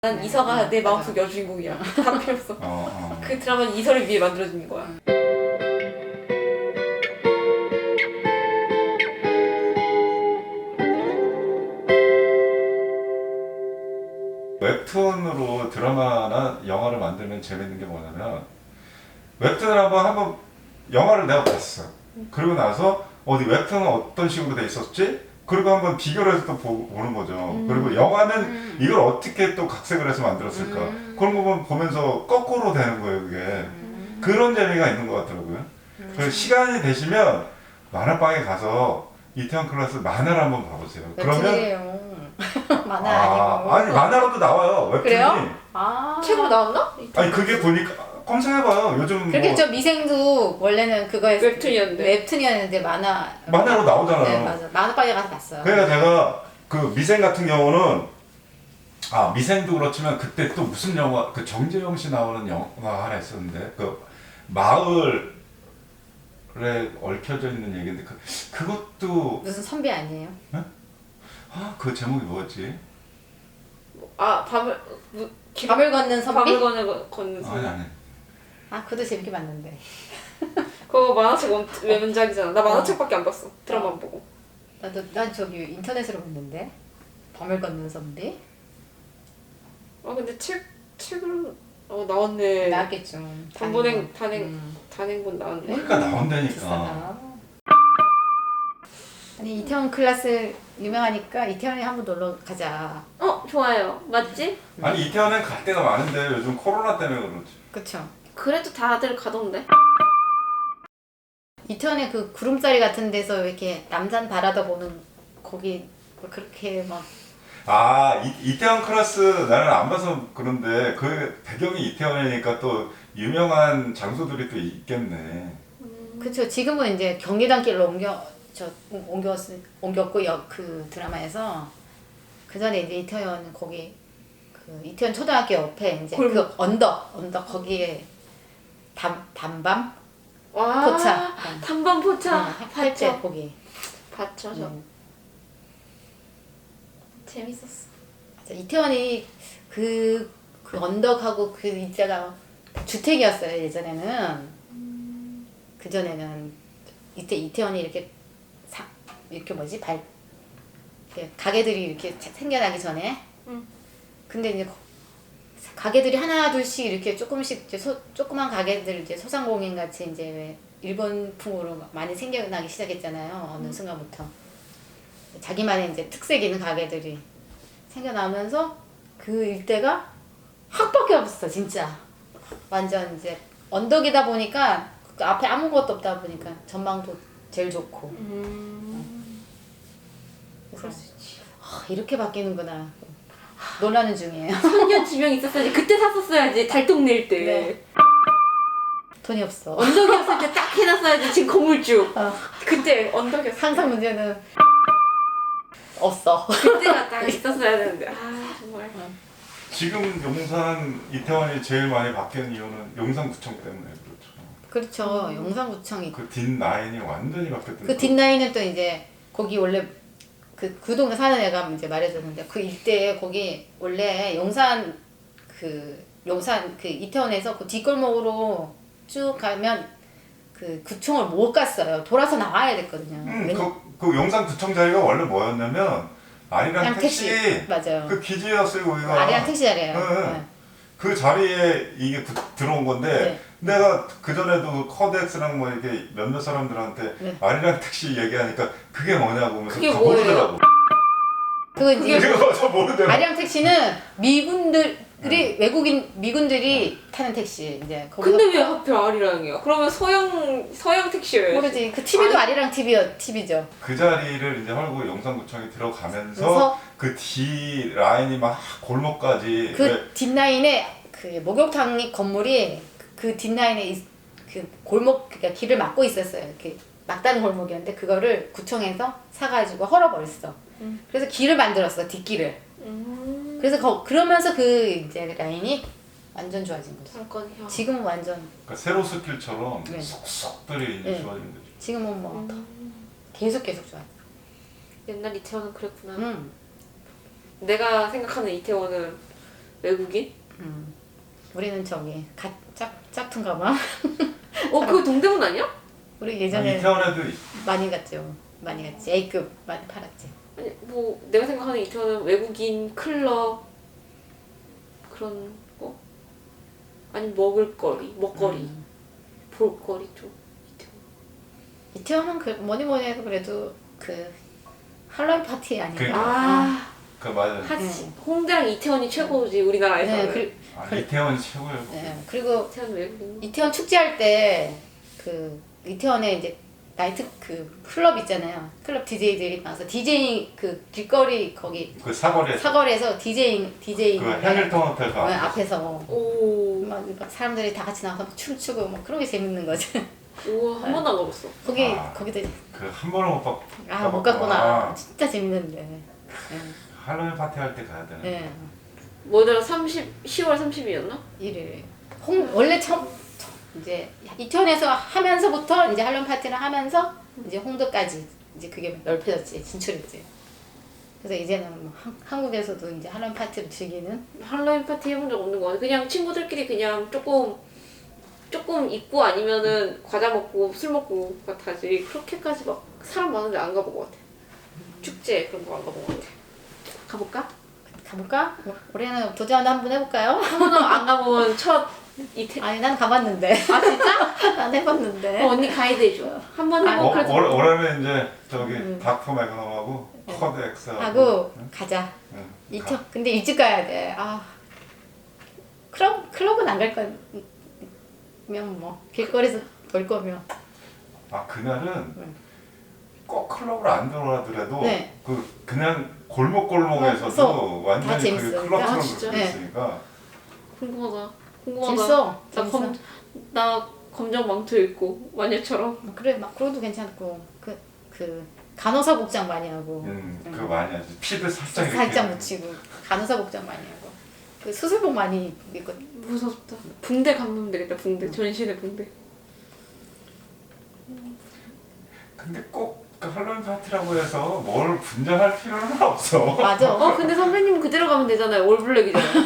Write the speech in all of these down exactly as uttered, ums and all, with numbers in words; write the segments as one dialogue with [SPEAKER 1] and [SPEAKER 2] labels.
[SPEAKER 1] 난
[SPEAKER 2] 네,
[SPEAKER 1] 이서가
[SPEAKER 2] 네,
[SPEAKER 1] 내
[SPEAKER 2] 맞아.
[SPEAKER 1] 마음속 여주인공이야. 다 필요 없어.
[SPEAKER 3] 어, 어.
[SPEAKER 1] 그 드라마는 이서를 위해 만들어진 거야.
[SPEAKER 3] 웹툰으로 드라마나 영화를 만들면 재밌는 게 뭐냐면 웹툰을 한번 한번 영화를 내가 봤어. 그리고 나서 어디 웹툰은 어떤 식으로 돼 있었지? 그리고 한번 비교를 해서 또 보, 보는 거죠.
[SPEAKER 1] 음.
[SPEAKER 3] 그리고 영화는
[SPEAKER 2] 음.
[SPEAKER 3] 이걸 어떻게 또 각색을 해서 만들었을까?
[SPEAKER 2] 음.
[SPEAKER 3] 그런 거 보면서 거꾸로 되는 거예요, 그게.
[SPEAKER 2] 음.
[SPEAKER 3] 그런 재미가 있는 것 같더라고요.
[SPEAKER 2] 음.
[SPEAKER 3] 그래서 시간이 되시면 만화방에 가서 이태원 클래스 만화를 한번 봐보세요. 그러면
[SPEAKER 2] 웹툰이래요. 만화
[SPEAKER 3] 아,
[SPEAKER 2] 아니고.
[SPEAKER 3] 아니 만화로도 나와요, 웹툰이.
[SPEAKER 2] 그래요? 아.
[SPEAKER 1] 책으로 나왔나?
[SPEAKER 3] 아니 그게 보니까 검색해봐요. 요즘
[SPEAKER 2] 그렇게
[SPEAKER 3] 뭐
[SPEAKER 2] 저 미생도 원래는 그거에
[SPEAKER 1] 웹툰이었는데.
[SPEAKER 2] 웹툰이었는데 만화.
[SPEAKER 3] 만화로 나오잖아요.
[SPEAKER 2] 네 맞아. 만화방에 가서 봤어요.
[SPEAKER 3] 그러니까 제가 그 미생 같은 경우는 아 미생도 그렇지만 그때 또 무슨 영화 그 정재영 씨 나오는 영화 하나 있었는데 그 마을에 얽혀져 있는 얘기인데 그 그것도
[SPEAKER 2] 무슨 선비 아니에요?
[SPEAKER 3] 아 그 제목이 뭐였지?
[SPEAKER 1] 아 밤을 무, 기,
[SPEAKER 2] 밤을 걷는 선비?
[SPEAKER 1] 밤을 걷는 걷는
[SPEAKER 3] 아니
[SPEAKER 1] 선.
[SPEAKER 3] 아니
[SPEAKER 2] 아 그것도 재밌게 봤는데.
[SPEAKER 1] 그거 만화책 원, 외문작이잖아. 나
[SPEAKER 2] 어.
[SPEAKER 1] 만화책밖에 안 봤어. 드라마만 보고.
[SPEAKER 2] 나도 난 저기 인터넷으로 봤는데. 밤을 걷는 선비?
[SPEAKER 1] 아 근데 책 책을 어 나왔네.
[SPEAKER 2] 나왔겠죠.
[SPEAKER 1] 단본행 단행
[SPEAKER 2] 음.
[SPEAKER 1] 단행본 나왔네.
[SPEAKER 3] 그러니까 나온다니까.
[SPEAKER 2] 비싸다. 아니 이태원 클래스 유명하니까 이태원에 한번 놀러 가자.
[SPEAKER 1] 어 좋아요. 맞지?
[SPEAKER 3] 아니 이태원엔 갈 데가 많은데 요즘 코로나 때문에 그렇지.
[SPEAKER 2] 그쵸?
[SPEAKER 1] 그래도 다들 가던데.
[SPEAKER 2] 이태원에 그 구름자리 같은 데서 이렇게 남산 바라다 보는 거기 뭐 그렇게 막
[SPEAKER 3] 아 이, 이태원 클래스 나는 안 봐서 그런데 그 배경이 이태원이니까 또 유명한 장소들이 또 있겠네.
[SPEAKER 2] 그쵸. 지금은 이제 경리단 길로 옮겨 저 옮겼 옮겼고 여, 그 드라마에서 그 전에 이제 이태원 거기 그 이태원 초등학교 옆에 이제
[SPEAKER 1] 골목.
[SPEAKER 2] 그 언덕 언덕 거기에 담 담밤
[SPEAKER 1] 와.
[SPEAKER 2] 포차.
[SPEAKER 1] 단반 포차.
[SPEAKER 2] 할때
[SPEAKER 1] 봤죠.
[SPEAKER 2] 거기.
[SPEAKER 1] 봤죠 저.
[SPEAKER 2] 음.
[SPEAKER 1] 재밌었어.
[SPEAKER 2] 맞아. 이태원이 그, 그 언덕하고 그 이자가 주택이었어요 예전에는. 그 전에는 이때 이태원이 이렇게 사 이렇게 뭐지 발 이렇게 가게들이 이렇게 생겨나기 전에.
[SPEAKER 1] 응.
[SPEAKER 2] 근데 이제 거- 가게들이 하나 둘씩 이렇게 조금씩 이제 소, 조그만 가게들 이제 소상공인 같이 이제 왜 일본풍으로 많이 생겨나기 시작했잖아요. 어느 순간부터 자기만의 이제 특색 있는 가게들이 생겨나면서 그 일대가 학밖에 없어 진짜. 완전 이제 언덕이다 보니까 그 앞에 아무것도 없다 보니까 전망도 제일 좋고.
[SPEAKER 1] 음.
[SPEAKER 2] 그래서
[SPEAKER 1] 그럴 수 있지.
[SPEAKER 2] 아, 이렇게 바뀌는구나 놀라는 중이에요.
[SPEAKER 1] 선녀 지명 있었어야지. 그때 샀었어야지. 달동네일 때.
[SPEAKER 2] 네. 돈이 없어.
[SPEAKER 1] 언덕이었을 때 딱 해놨어야지. 지금 건물주.
[SPEAKER 2] 어.
[SPEAKER 1] 그때 언덕이었어.
[SPEAKER 2] 항상 문제는 없어.
[SPEAKER 1] 그때가 딱 있었어야 되는데. 아 정말.
[SPEAKER 3] 지금 용산 이태원이 제일 많이 바뀐 이유는 용산구청 때문에 그렇죠.
[SPEAKER 2] 그렇죠. 용산구청이
[SPEAKER 3] 그 뒷라인이 완전히 바뀌었던
[SPEAKER 2] 그 뒷라인은 또 이제 거기 원래 그, 그 동네 사는 애가 이제 말해줬는데 그 일대에 거기 원래 용산 그 용산 그 이태원에서 그 뒷골목으로 쭉 가면 그 구청을 못 갔어요. 돌아서 나와야 됐거든요.
[SPEAKER 3] 음,
[SPEAKER 2] 왜냐-
[SPEAKER 3] 그, 그 용산구청 자리가 원래 뭐였냐면 아리랑
[SPEAKER 2] 그냥
[SPEAKER 3] 택시,
[SPEAKER 2] 택시. 맞아요.
[SPEAKER 3] 그 기지였어요 거기가.
[SPEAKER 2] 아리랑 택시 자리예요.
[SPEAKER 3] 네.
[SPEAKER 2] 네.
[SPEAKER 3] 그 자리에 이게 구- 들어온 건데
[SPEAKER 2] 네.
[SPEAKER 3] 내가 그 전에도 커덱스랑 뭐 이렇게 몇몇 사람들한테
[SPEAKER 2] 네.
[SPEAKER 3] 아리랑 택시 얘기하니까 그게 뭐냐고 하면서
[SPEAKER 1] 그게
[SPEAKER 3] 다
[SPEAKER 1] 뭐예요?
[SPEAKER 3] 모르더라고.
[SPEAKER 2] 그거 이제
[SPEAKER 3] 그거 저 모르더라고.
[SPEAKER 2] 아리랑 택시는 미군들이 외국인 미군들이 타는 택시 이제 거기서
[SPEAKER 1] 근데 왜 하필 아리랑이야? 그러면 서양 서양 택시여야지.
[SPEAKER 2] 모르지. 그 티비도 아리랑 티비요 티비죠.
[SPEAKER 3] 그 자리를 이제 헐고 용산구청이 들어가면서
[SPEAKER 2] 그래서
[SPEAKER 3] 그 뒤 라인이 막 골목까지 왜-
[SPEAKER 2] 그 뒷라인에 그 목욕탕 건물이 그 뒷라인에 있- 그 골목 그러니까 길을 막고 있었어요. 이렇게 막다른 골목이었는데 그거를 구청에서 사가지고 헐어버렸어.
[SPEAKER 1] 음.
[SPEAKER 2] 그래서 길을 만들었어 뒷길을.
[SPEAKER 1] 음.
[SPEAKER 2] 그래서 거, 그러면서 그 이제 라인이 완전 좋아진 거죠.
[SPEAKER 1] 잠깐요.
[SPEAKER 2] 지금은 완전
[SPEAKER 3] 그러니까 세로스길처럼
[SPEAKER 2] 네.
[SPEAKER 3] 속속들이 이제
[SPEAKER 2] 네.
[SPEAKER 3] 좋아진 거죠.
[SPEAKER 2] 지금은 뭐
[SPEAKER 1] 음.
[SPEAKER 2] 계속 계속 좋아.
[SPEAKER 1] 옛날 이태원은 그랬구나.
[SPEAKER 2] 음.
[SPEAKER 1] 내가 생각하는 이태원은 외국인?
[SPEAKER 2] 음. 우리는 저기 가, 짝, 짝퉁 가방.
[SPEAKER 1] 어 그거 동대문 아니야?
[SPEAKER 2] 우리
[SPEAKER 3] 아,
[SPEAKER 2] 예전에
[SPEAKER 3] 이태원에도
[SPEAKER 2] 많이 갔죠. 많이 갔지. A급 많이 팔았지.
[SPEAKER 1] 아니 뭐 내가 생각하는 이태원은 외국인 클럽 그런 거? 아니 먹을거리, 먹거리,
[SPEAKER 2] 음.
[SPEAKER 1] 볼거리 좀 이태원.
[SPEAKER 2] 이태원은 그 뭐니 뭐니 해도 그래도 그 할로윈 파티 아닌가?
[SPEAKER 3] 그러니까.
[SPEAKER 1] 아
[SPEAKER 3] 그 맞아요.
[SPEAKER 1] 하지.
[SPEAKER 2] 네.
[SPEAKER 1] 홍대랑 이태원이 최고지 우리나라에서는.
[SPEAKER 2] 네, 그,
[SPEAKER 3] 아,
[SPEAKER 2] 그-
[SPEAKER 3] 이태원 최고예요.
[SPEAKER 2] 네, 그리고
[SPEAKER 1] 이태원 외국인.
[SPEAKER 2] 이태원 축제할 때 그 이태원에 이제 나이트 그 클럽 있잖아요. 클럽 디제이들이 와서 디제이 그 길거리 거기
[SPEAKER 3] 그 사거리에
[SPEAKER 2] 사거리에서 디제이 디제이
[SPEAKER 3] 그 해밀턴 호텔 가.
[SPEAKER 2] 앞에서
[SPEAKER 1] 오.
[SPEAKER 2] 막, 막 사람들이 다 같이 나와서 막 춤추고 막 그런 게 재밌는 거지.
[SPEAKER 1] 우와 한 번도 안 가봤어.
[SPEAKER 2] 거기
[SPEAKER 3] 아.
[SPEAKER 2] 거기도
[SPEAKER 3] 그한 번을 못 봤.
[SPEAKER 2] 아 못 갔구나. 진짜 재밌는데. 네.
[SPEAKER 3] 할로윈 파티 할 때 가야 되는.
[SPEAKER 2] 네.
[SPEAKER 1] 뭐더라 삼십 시월 삼십이었나?
[SPEAKER 2] 일일. 홍 원래 처음 이제 이태원에서 하면서부터 이제 할로윈 파티를 하면서 이제 홍대까지 이제 그게 넓혀졌지 진출했지. 그래서 이제는 뭐 한, 한국에서도 이제 할로윈 파티를 즐기는.
[SPEAKER 1] 할로윈 파티 해본 적 없는 거 같아. 그냥 친구들끼리 그냥 조금 조금 입고 아니면은 과자 먹고 술 먹고 같아지. 그렇게까지 막 사람 많은데 안 가본 것 같아. 축제 그런 거 안 가본 것 같아. 가볼까?
[SPEAKER 2] 가볼까? 올- 올해는 도전 한번 해볼까요?
[SPEAKER 1] 한 번도 안 가본 첫 이태.
[SPEAKER 2] 아니 난 가봤는데.
[SPEAKER 1] 아 진짜?
[SPEAKER 2] 난 해봤는데.
[SPEAKER 1] 어, 언니 가이드 해줘. 한 번
[SPEAKER 2] 아,
[SPEAKER 1] 해보고
[SPEAKER 3] 어,
[SPEAKER 1] 그래도.
[SPEAKER 3] 올, 올해는 이제 저기
[SPEAKER 2] 음.
[SPEAKER 3] 닥터 매그넘하고 커드 엑스하고
[SPEAKER 2] 하고 가자.
[SPEAKER 3] 응,
[SPEAKER 2] 이태 근데 일찍 가야 돼. 아 클럽 클럽은 안 갈 거면 뭐 길거리에서 놀 거면.
[SPEAKER 3] 아 그날은
[SPEAKER 2] 응.
[SPEAKER 3] 꼭 클럽을 안 들어가더라도
[SPEAKER 2] 네.
[SPEAKER 3] 그 그냥 골목 골목에서도
[SPEAKER 2] 어, 다
[SPEAKER 3] 완전히 그게
[SPEAKER 2] 재밌으니까.
[SPEAKER 3] 클럽처럼
[SPEAKER 1] 아, 진짜?
[SPEAKER 3] 그렇게
[SPEAKER 2] 네.
[SPEAKER 3] 있으니까
[SPEAKER 1] 궁금하다. 궁금하다.
[SPEAKER 2] 재밌어.
[SPEAKER 1] 나
[SPEAKER 2] 재밌어.
[SPEAKER 1] 검, 나 검정 망토 입고 마녀처럼.
[SPEAKER 2] 뭐 그래 막 그래도 괜찮고 그 그 간호사 복장 많이 하고.
[SPEAKER 3] 음,
[SPEAKER 2] 응.
[SPEAKER 3] 그거 많이 하지. 피드 살짝 이렇게
[SPEAKER 2] 살짝 묻히고 간호사 복장 많이 하고 그 수술복 많이 입고.
[SPEAKER 1] 무섭다. 붕대 감으면 되겠다. 붕대. 전신에 붕대.
[SPEAKER 3] 근데 꼭 그 할로윈 파티라고 해서 뭘 분장할 필요는 없어.
[SPEAKER 2] 맞아.
[SPEAKER 1] 어 근데 선배님 그대로 가면 되잖아요. 올블랙이잖아요.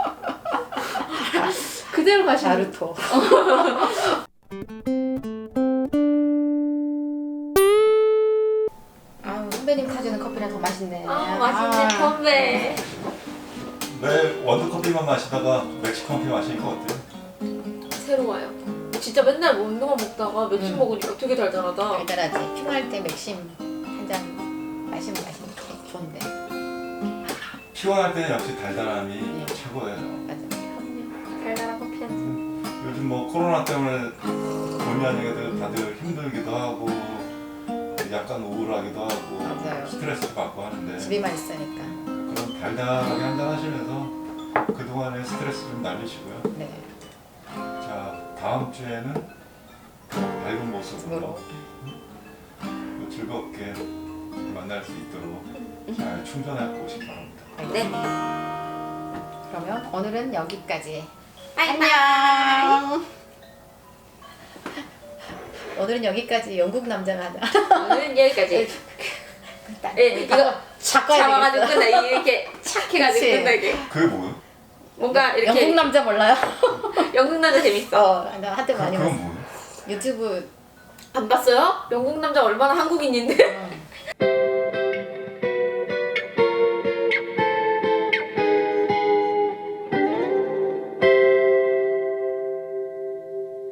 [SPEAKER 1] 그대로 가시면.
[SPEAKER 2] 나루토. 아유 선배님 타주는 커피랑 더 맛있네.
[SPEAKER 1] 아 맛있네
[SPEAKER 2] 아.
[SPEAKER 1] 선배.
[SPEAKER 3] 왜 원두커피만 마시다가 멕시커피 마시니까 어때요?
[SPEAKER 1] 새로워요. 진짜 맨날 운동만 먹다가 맥주
[SPEAKER 2] 음.
[SPEAKER 1] 먹으니까 되게 달달하다.
[SPEAKER 2] 달달하지. 피곤할 때 맥심 한 잔 마시면 맛있는 좋은데.
[SPEAKER 3] 피곤할 때는 역시 달달함이
[SPEAKER 2] 네.
[SPEAKER 3] 최고예요.
[SPEAKER 2] 맞아.
[SPEAKER 1] 달달한 커피 한 잔.
[SPEAKER 3] 요즘 뭐 코로나 때문에 본의 아니게도 다들 힘들기도 하고 약간 우울하기도 하고
[SPEAKER 2] 맞아요.
[SPEAKER 3] 스트레스도 받고 하는데
[SPEAKER 2] 집에만 있으니까.
[SPEAKER 3] 그럼 달달하게 한잔 하시면서 그동안의 스트레스 좀 날리시고요.
[SPEAKER 2] 네.
[SPEAKER 3] 자 다음 주에는 더 밝은 모습으로 또 즐겁게 만날 수 있도록 잘 충전해 보시기 바랍니다.
[SPEAKER 1] 네.
[SPEAKER 2] 그러면 오늘은 여기까지.
[SPEAKER 1] 바이바이.
[SPEAKER 2] 안녕. 오늘은 여기까지 영국 남자가 하자.
[SPEAKER 1] 오늘은 여기까지. 예, 이거 착
[SPEAKER 2] 바꿔야
[SPEAKER 1] 잡아가지고
[SPEAKER 2] 되겠어.
[SPEAKER 1] 끝나. 이렇게 착 해가지고
[SPEAKER 2] 그치.
[SPEAKER 1] 끝나게.
[SPEAKER 3] 그게 뭐예요?
[SPEAKER 1] 뭔가 이렇게
[SPEAKER 2] 영국 남자 몰라요?
[SPEAKER 1] 영국 남자 재밌어.
[SPEAKER 2] 어, 나 한때
[SPEAKER 3] 그,
[SPEAKER 2] 많이
[SPEAKER 3] 그건
[SPEAKER 2] 봤어.
[SPEAKER 3] 뭐예요?
[SPEAKER 2] 유튜브
[SPEAKER 1] 안 봤어요? 영국 남자 얼마나 한국인인데?
[SPEAKER 2] 어,